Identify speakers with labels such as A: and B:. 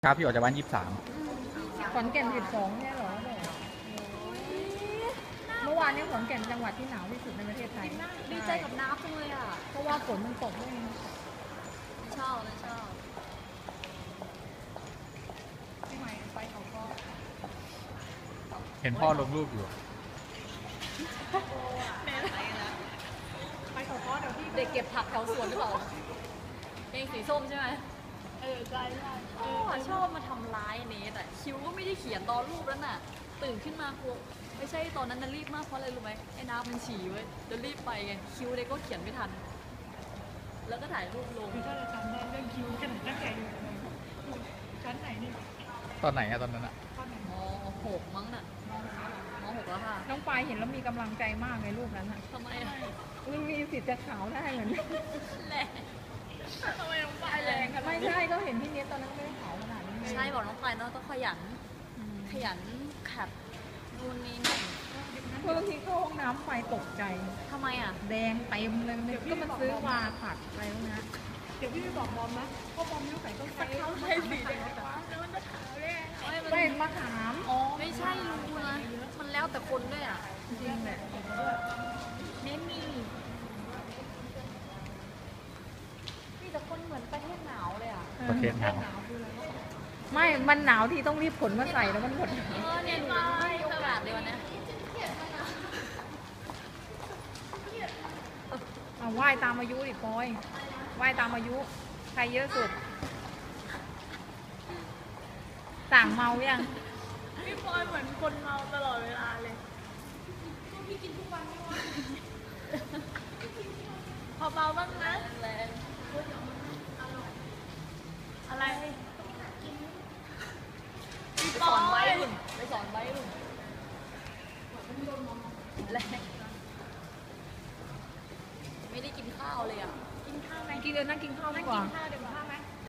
A: ครับพี่ออกจากบ้าน23
B: ขอนแก่น12เนี่ยเหรอเมื่อวานนี้ขอนแก่นจังหวัดที่หนาวที่สุดในประเทศไทย
C: ดีใจกับน้ำจังเลยอ่ะ
B: เพราะว่าฝนมันตกด้วย
C: ชอบเลยชอบ
B: พี่ใหม่ไปเขาก็
A: เห็นพ่อลงรูปอยู่
B: ไปเขาก็เดี๋ยวพี่
C: เด็กเก็บผักแถวสวนหรือเปล่าเองสีส้มใช่ไหมใช่ชอบมาทำร้ายเนทอ่ะคิวก็ไม่ได้เขียนตอนรูปแล้วน่ะตื่นขึ้นมากลัวไม่ใช่ตอนนั้นน่ะรีบมากเพราะอะไรรู้ไหมไอ้น้ำมันฉี่เว้ยเดี๋ยวรีบไปไงคิวเด็กก็เขียนไม่ทันแล้วก็ถ่ายรูปลง
B: คือถ้าจะทำได้เรื่องคิวขนาดนั้นไงชั้นไหนนี่
A: ตอนไหนอะตอนนั้นอะ
C: ม.6 มั้งน่ะม.6 แล้วค่ะ
B: น้องปายเห็นแล้วมีกำลังใจมากในรูปนั้นอ่ะ
C: ทำไมอ่ะ
B: มันมีสิทธิ์จะขาวได้เหมือน
C: แรงทำไมน้องปายแรง
B: ไม่ใช่ก็เห็นพี่เนทตอนนั้นไม่ได้ขาวขนาดนี้
C: ใช่บอกน้องปายเนาะต้องขยันขับนู่นนี่นั่น
B: เมื่อกี้เข้าห้องน้ำไฟตกใจ
C: ทำไมอ่ะ
B: แดงเต็มเลยก็มันซื้อวาผัดอะไรพวกนี้เดี๋ยวพี่ไปบอกบอมนะเพราะบอมยุ่งใส่ต้นไทรเขาใช้สีแดงแล้วมันจะขาวได้ไม่มะขาม
C: ไม่ใช่รู้นะมันแล้วแต่คนด้วยอ่ะ
B: จริงแหละ
C: เน้นมีแต่คนเหมือนประเทศหนาวเลยอ่ะ
A: ประเทศหนาว
B: ไม่มันหนาวที่ต้องรีบขนมาใส่แล้วมันหมด
C: เนี่ยดูไม่มีโอกาสเลยวันนี้
B: ไหว้ตามอายุดิปอยไหว้ตามอายุใครเยอะสุดสั่งเมายัง
C: พี่ปอยเหมือนคนเมาตลอดเวลาเลยพี่กินทุกวันไม่ว่าพอเมาบ้างนะอะไรไปสอนไว้หุ่นแรงไม่ได้กินข้าวเลยอ่ะ
B: กินข้าวไหมกินเลยนั่งกินข้าวดีกว่า
C: เดี๋ยวข้าวไหม